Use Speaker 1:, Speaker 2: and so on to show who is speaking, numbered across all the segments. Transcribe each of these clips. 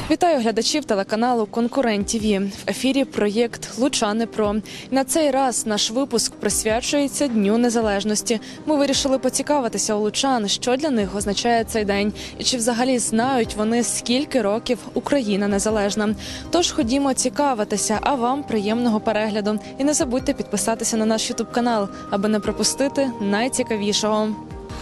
Speaker 1: Вітаю глядачів телеканалу «Конкурент ТВ». В ефірі проєкт «Лучани Про». На цей раз наш випуск присвячується Дню Незалежності. Ми вирішили поцікавитися у лучан, що для них означає цей день і чи взагалі знають вони, скільки років Україна незалежна. Тож ходімо цікавитися, а вам приємного перегляду. І не забудьте підписатися на наш ютуб-канал, аби не пропустити найцікавішого.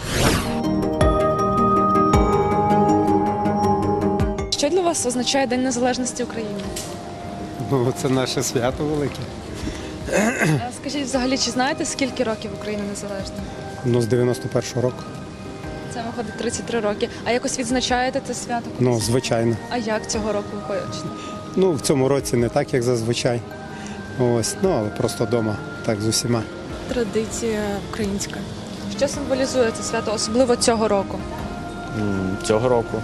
Speaker 1: Що для вас означає День Незалежності України?
Speaker 2: Ну, це наше свято велике.
Speaker 1: Скажіть, взагалі, чи знаєте, скільки років Україна незалежна?
Speaker 2: Ну, з 91-го року.
Speaker 1: Це виходить 33 роки. А якось відзначаєте це свято?
Speaker 2: Ну, звичайно.
Speaker 1: А як цього року ви хочете?
Speaker 2: Ну, в цьому році не так, як зазвичай. Ось, ну, але просто вдома, так, з усіма.
Speaker 3: Традиція українська.
Speaker 1: Що символізує це свято, особливо цього року?
Speaker 4: Цього року,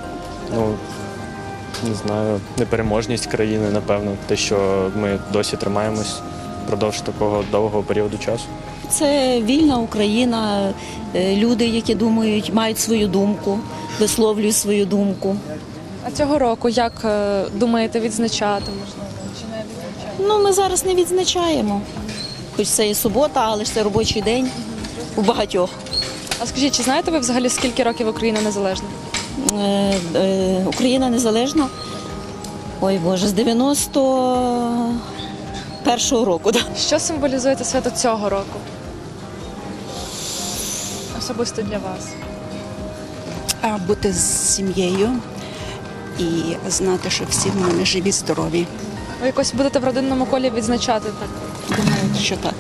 Speaker 4: не знаю, непереможність країни, напевно, те, що ми досі тримаємось впродовж такого довгого періоду часу.
Speaker 5: Це вільна Україна, люди, які думають, мають свою думку, висловлюють свою думку.
Speaker 1: А цього року як думаєте відзначати, можливо, чи не відзначати?
Speaker 5: Ну, ми зараз не відзначаємо, хоч це і субота, але ж це робочий день у багатьох.
Speaker 1: А скажіть, чи знаєте ви взагалі, скільки років Україна незалежна?
Speaker 5: Україна незалежна, ой Боже, з 91-го року. Да.
Speaker 1: Що символізує це свято цього року? Особисто для вас.
Speaker 3: Бути з сім'єю і знати, що всі в мене живі, здорові.
Speaker 1: Ви якось будете в родинному колі відзначати так?
Speaker 3: Думаю, що так.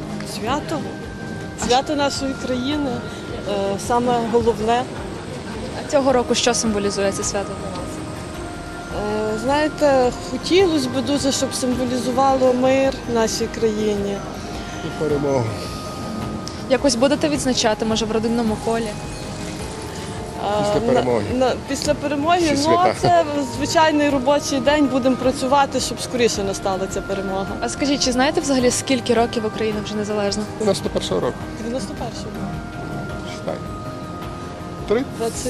Speaker 6: Свято нашої країни саме головне.
Speaker 1: А цього року що символізує це свято для вас?
Speaker 6: Знаєте, хотілося б дуже, щоб символізувало мир в нашій країні.
Speaker 2: І перемогу.
Speaker 1: Якось будете відзначати, може, в родинному колі?
Speaker 2: Після перемоги.
Speaker 6: Після перемоги,
Speaker 2: Всі
Speaker 6: ну
Speaker 2: свята.
Speaker 6: це звичайний робочий день, будемо працювати, щоб скоріше настала ця перемога.
Speaker 1: А скажіть, чи знаєте взагалі, скільки років Україна вже незалежна?
Speaker 2: 91-го року.
Speaker 6: 91-го.
Speaker 2: Считай. 3?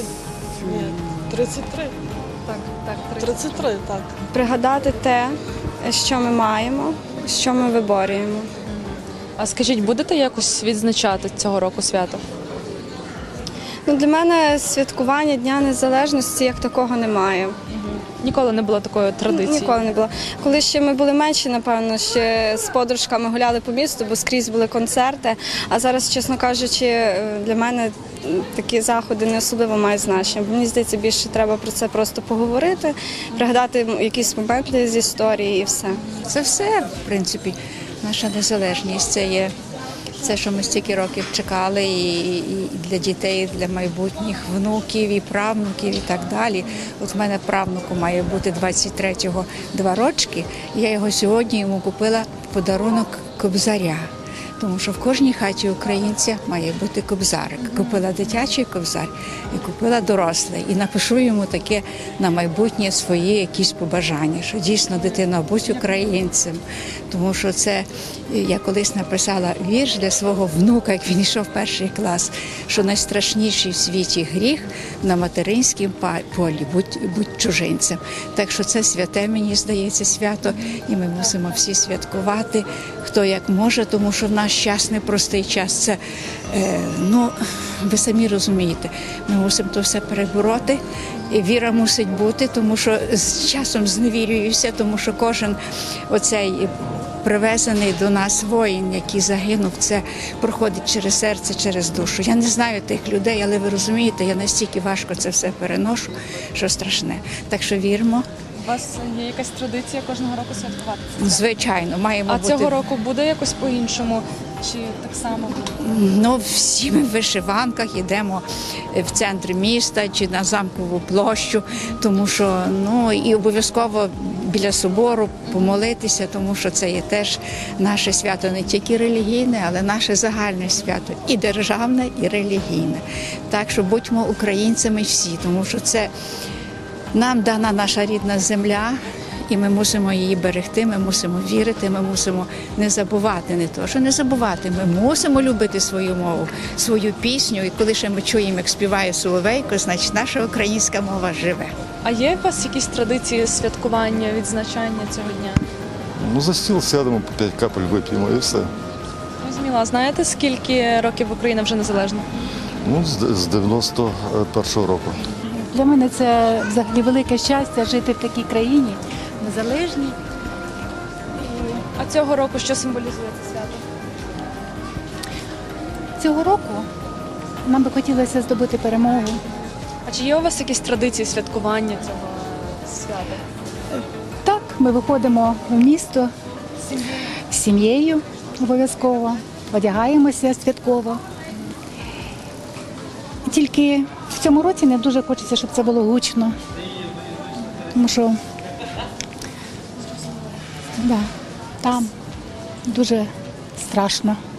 Speaker 6: 33.
Speaker 1: Так,
Speaker 6: 33, так.
Speaker 7: Пригадати те, що ми маємо, що ми виборюємо.
Speaker 1: А скажіть, будете якось відзначати цього року свято?
Speaker 7: Ну, для мене святкування Дня Незалежності як такого немає.
Speaker 1: Ніколи не було такої традиції?
Speaker 7: Ніколи не було. Коли ще ми були менші, напевно, ще з подружками гуляли по місту, бо скрізь були концерти. А зараз, чесно кажучи, для мене такі заходи не особливо мають значення. Бо мені здається, більше треба про це просто поговорити, пригадати якісь моменти з історії і все.
Speaker 8: Це все, в принципі, наша незалежність. Це є це, що ми стільки років чекали, і для дітей, і для майбутніх внуків, і правнуків, і так далі. От в мене правнуку має бути 23-го 2 рочки, і я його сьогодні йому купила в подарунок кобзаря. Тому що в кожній хаті українця має бути кобзарик. Купила дитячий кобзар і купила дорослий. І напишу йому таке на майбутнє свої якісь побажання, що дійсно, дитино, будь українцем. Тому що це, я колись написала вірш для свого внука, як він йшов в 1 клас, що найстрашніший в світі гріх на материнському полі, будь чужинцем. Так що це святе, мені здається, свято, і ми мусимо всі святкувати, хто як може, тому що в наш час непростий час. Це, ви самі розумієте, ми мусимо то все перебороти, і віра мусить бути, тому що з часом зневірююся, тому що кожен оцей привезений до нас воїн, який загинув, це проходить через серце, через душу. Я не знаю тих людей, але ви розумієте, я настільки важко це все переношу, що страшне. Так що віримо.
Speaker 1: У вас є якась традиція кожного року святкувати?
Speaker 8: Звичайно, маємо
Speaker 1: А
Speaker 8: бути.
Speaker 1: цього року буде якось по-іншому? Чи так само буде?
Speaker 8: Ну, всі ми в вишиванках йдемо в центр міста чи на Замкову площу, тому що, і обов'язково біля собору помолитися, тому що це є теж наше свято не тільки релігійне, але наше загальне свято, і державне, і релігійне. Так що будьмо українцями всі, тому що це нам дана наша рідна земля, і ми мусимо її берегти, ми мусимо вірити, ми мусимо не забувати, не то, що не забувати, ми мусимо любити свою мову, свою пісню, і коли ще ми чуємо, як співає Соловейко, значить наша українська мова живе.
Speaker 1: А є у вас якісь традиції святкування, відзначання цього дня?
Speaker 9: Ну, за стіл сядемо, по 5 капель вип'ємо і все.
Speaker 1: Зрозуміло. А знаєте, скільки років Україна вже незалежна?
Speaker 9: Ну, з 91-го року.
Speaker 10: Для мене це взагалі велике щастя жити в такій країні, незалежній.
Speaker 1: А цього року що символізує це свято?
Speaker 10: Цього року нам би хотілося здобути перемогу.
Speaker 1: А чи є у вас якісь традиції святкування цього свята?
Speaker 10: Так, ми виходимо в місто з сім'єю обов'язково, одягаємося святково. Тільки в цьому році не дуже хочеться, щоб це було гучно, тому що там дуже страшно.